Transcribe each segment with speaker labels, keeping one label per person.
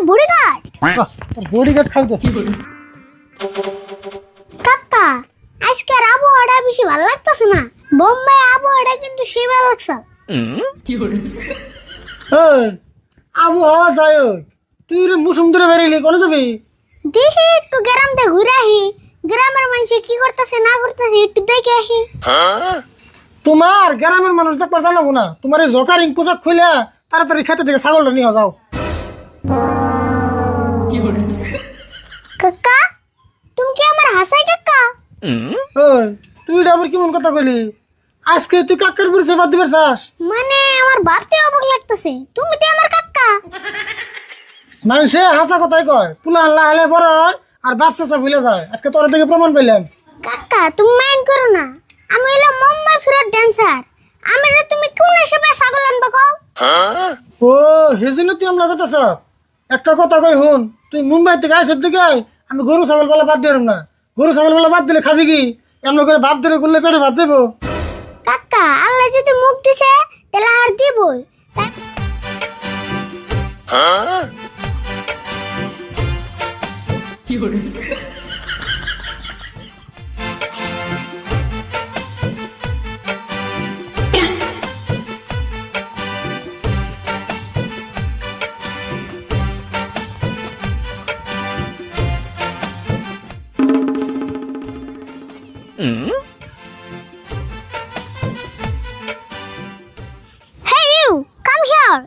Speaker 1: Bodyguard.
Speaker 2: Bodyguard খাইতেছি।
Speaker 1: কাকা আজকে আবহাওয়াটা বেশি ভালো লাগতেছে না। বোম্বাই আবহাওয়াটা কিন্তু সেই ভালো লাগছে।
Speaker 2: আবহাওয়া যাই হোক, তুই মৌসুম ধরে বেরিয়ে কোনে যাবি?
Speaker 1: দেখি একটু গ্রাম দিয়ে ঘুরে আহি, গ্রামের মানুষ কি করতেছে না করতেছে একটু দেখে আহি।
Speaker 2: তোমার গ্রামের মানুষ দেখবার জানাবো না, তোমার এই জকারিং পোশাক খুলে তাড়াতাড়ি খেতে থেকে ছাগলটা নিয়ে যাও।
Speaker 1: কাকা তুমি কি আমার হাসাই কাকা?
Speaker 2: তুই আবার কেমন কথা কইলি? আজকে তুই কাকার পরিচয় বাদ দিবার চাস?
Speaker 1: মানে আমার ভাবতে অবাক লাগতেছে, তুমি তো আমার কাকা।
Speaker 2: মানুষে হাসা কথাই কয়, পুলা আল্লাহ হলে বড় হয় আর বাপ চাচা ভুলে যায়। আজকে তোর থেকে প্রমাণ পেলাম।
Speaker 1: কাকা তুমি মাইন্ড করো না, আমি হলো মুম্বাই ফিরত ড্যান্সার। আমি তুমি কোন হিসেবে ছাগল আনবে কও?
Speaker 2: ও হেজন্য তুই আমরা কথা সব একটা কথা কই হুন, তুই মুম্বাই থেকে আইসর দিকে আমি গরু ছাগল বলা বাদ দিলাম না। গরু ছাগল বলা বাদ দিলে খাবি কি? এমন করে বাদ দিলে করলে পেটে ভাত যাবো।
Speaker 1: কাকা আল্লাহ যদি মুখ দিছে তাহলে আর দিবই। Hey you, come here.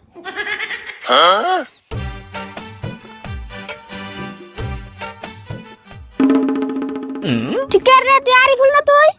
Speaker 1: তুই কে রে? তুই আরিফুল না তুই?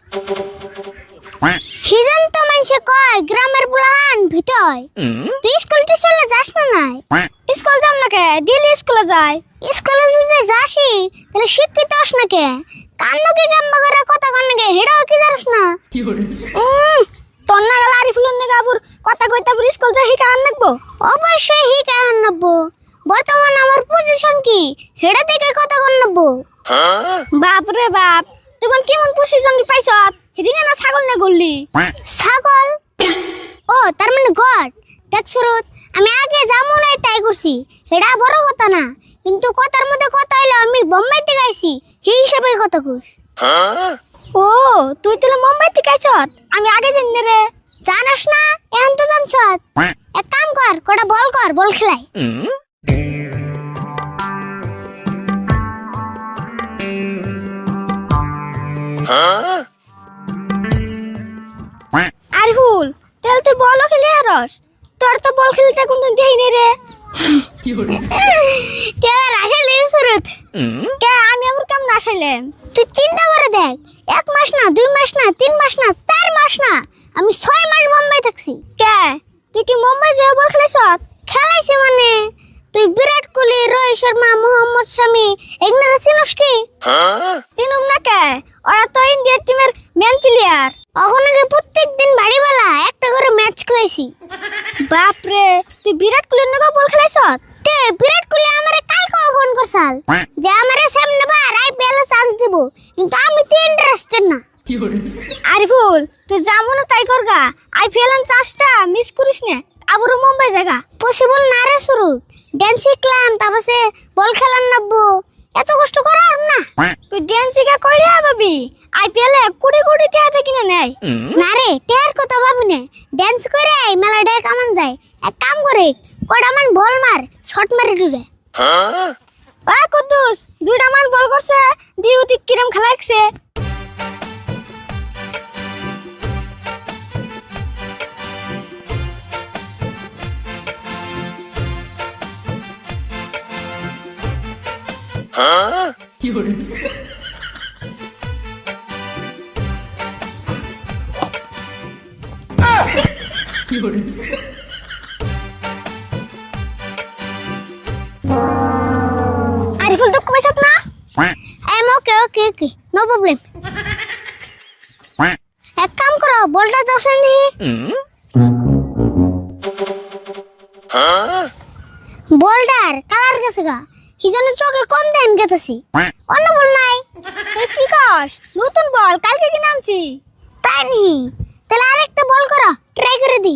Speaker 1: সিজন তো মানুষে কয় গ্রামের বুলাহান ভিতয়। তুই স্কুল টিউশনে যাস না নাই? স্কুল যাম না কে, ডেইলি স্কুলে যাই। স্কুলে যদি যাসি তাহলে শিক্ষিত হস না কে? কান্ন কি গাম্বা করে কথা কন কে হেডাও কি জানিস না? তোর না গেল আরিফুলের নাকি আবুর কথা কইতে আবুর স্কুল যাই হিকা আন নাকবো? অবশ্যই হিকা আন নাকবো। বর্তমানে আমার পজিশন কি হেডা থেকে কথা কন নাকবো। বাপ রে বাপ, তুই কেমন পজিশন পাইছ? হেদিকে না ছাগল না গল্লি? ছাগল? ও তার মানে গড। দেখ সুরত, আমি আগে যেমন হয় তাই করছি, এটা বড় কথা না। কিন্তু কথার মধ্যে কথা হইলো আমি বোম্বাই থেকে আইছি, সেই হিসাবে কথা কইস। ও তুই তাহলে মুম্বাই থেকে আইছ? আমি আগে জানি রে। জানাস না? এখন তো জানছ। এক কাম কর, কটা বল কর, বল খেলাই। আরিফুল তাহলে তুই বলও খেলে আরস? তোর তো বল খেলতে কোন দেই নে রে। কে আসলে সুরত? কে আমি আমার কাম না আসলে? তুই চিন্তা করে দেখ, 1 মাস না 2 মাস না 3 মাস না 4 মাস না, আমি 6 মাস বোম্বাই থাকছি। কে তুই কি মুম্বাই যে বল খেলাইছ? খেলাইছি মানে তুই বিরাট কোহলি, রোহিত শর্মা, মোহাম্মদ শামি এগুলা চিনস কি? চিনুম না কে, ওরা তো ইন্ডিয়ার টিমের মেন প্লেয়ার। ওখানে প্রত্যেকদিন বাড়িওয়ালা একটা করে ম্যাচ খেলাইছি। বাপ রে, তুই বিরাট কোহলির নাকি বল খেলাইছ? তে বিরাট কোহলি আমারে কালকে ফোন করছাল যে আমারে সামনে বার আইপিএল এ চান্স দিব, কিন্তু আমি তো ইন্টারেস্টেড না। আরিফুল তুই যেমন তাই করগা, আইপিএল এর চান্সটা মিস করিস না। আবারও মুম্বাই জায়গা পসিবল না রে শুরু। ড্যান্স শিখলাম, তারপরে বল খেলার নাববো, এত কষ্ট করার না। তুই ড্যান্স শিখা কইরে ভাবি আইপিএল এ কোটি কোটি টাকা কিনে নেয় না রে। টেয়ার কথা ভাবি না, ড্যান্স করে মেলা টাকা কামান যায়। এক কাম করে কয়টা মান বল মার, শট মারি দিবে। আ কুদ্দুস 2টা মান বল করছে, দিউতি কিরম খেলাইছে। আরিফুল দুঃখ পাইছত না? I am okay okay okay, no problem. এক কাম করো, বলটা দোসেন দি। বলটার কালার গেছে গা, হিজনে চোখে কম দেন গেতেছি। অন্য বল নাই। কি কস? নতুন বল কালকে কিনে আনছি। তাই নি? তাহলে আরেকটা বল করো, ট্রাই করে দি।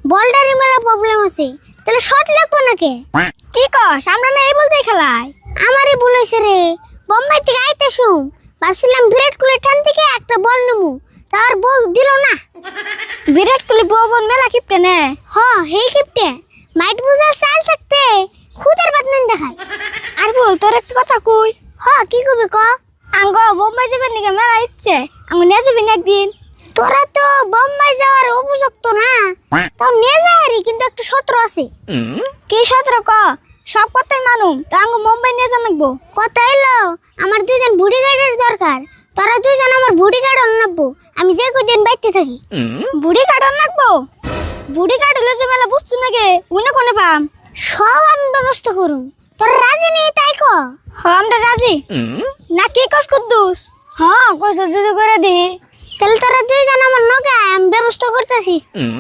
Speaker 1: বলটারই মেলা প্রবলেম আছে, তাহলে শর্ট লাগবো নাকি? কি কস, আমরা না এই বলতে খেলাই? আমারই ভুল হয়েছে রে, বোম্বাই থেকে আইতে শুম ভাবছিলাম বিরাট কোহলির ঠান থেকে একটা বল নেবো, তার বল দিল না। বিরাট কোহলি বল মেলা কিপটে নে। হ হেই কিপটে, মাইট বুঝার চাল থাকতে খুদের বাদ নেন দেখায়। আর বল তোর একটা কথা কই। হ কি কবি ক। আঙ্গ বোম্বাই যাবেন নাকি মেলা ইচ্ছে, আঙ্গ নিয়ে যাবি না একদিন। তোরা তো বোম্বাই যাওয়ার উপযুক্ত না, তাও নিয়ে যাই, কিন্তু একটা সত্র আছে। কি সত্র ক? সব কথাই মানুম, তা আঙ্গ মুম্বাই নিয়ে যান লাগবো। কথা এলো আমার দুজন বডিগার্ডের দরকার, তোরা দুজন আমার বডিগার্ড আনবো, আমি যে কদিন বাইতে থাকি। বডিগার্ড আনবো? বডিগার্ড হলে যে মেলা বুঝছো নাকি, উনি কোনে পাম? সব আমি ব্যবস্থা করুম, তোরা রাজি নেই তাই ক। হ আমরা রাজি। না কি কস কুদ্দুস? হ্যাঁ কস যদি করে দি, তাহলে তোরা দুইজন আমার নগে আমি ব্যবস্থা করতেছি।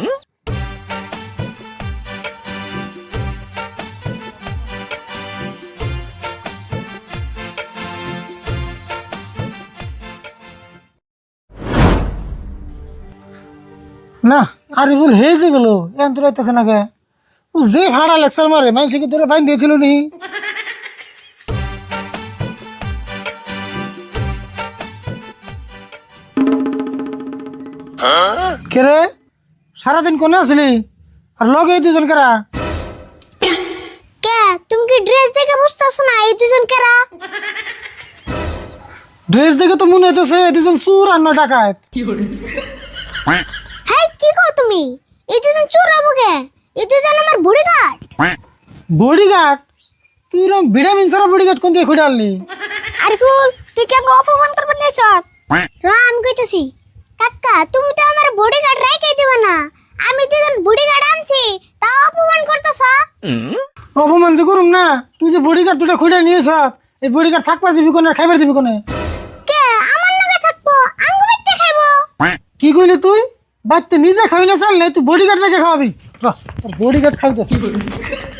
Speaker 2: না আরে বল হেজে গেল এন তোর আইতেছে না কে? ও যে ভাড়া লেকচার মারে মানুষকে তোরা বাইন দিয়েছিল নি? কে রে, সারাদিন কোনে আসলি আর লগে এই দুজন কারা?
Speaker 1: কে তুমি কি ড্রেস দেখে বুঝতেছো না এই দুজন কারা?
Speaker 2: ড্রেস দেখে তো মনে হইতেছে এই দুজন চুর আর নয় ডাকাত।
Speaker 1: হ্যাঁ কি কও তুমি? এই দুজন চোর হবো কে? এই দুজন আমার বডিগার্ড।
Speaker 2: বডিগার্ড? তুই এরকম ভিটামিন সারা বডিগার্ড কোন দিয়ে খুঁড়ে আনলি?
Speaker 1: আরে ফুল তুই কেন অপমান করবে নিয়েছ? রাম কইতেছি কাকা, তুমি তো আমার বডিগার্ড রাইখাই দিবা না, আমি দুজন বডিগার্ড আনছি তা অপমান করতেছ।
Speaker 2: অপমান যে করুম না, তুই যে বডিগার্ড দুটা খুঁড়ে নিয়েছ, এই বডিগার্ড থাকবার দিবি কোনে, খাইবার দিবি কোনে?
Speaker 1: কে আমার লগে থাকবো, আঙ্গু বাইতে খাইবো।
Speaker 2: কি কইলি তুই? বাচ্চা নিজে খাবি না চাল নাই, তুই বডিগার্ড রেখে খাওয়াবি? বডিগার্ড খাইতেছি।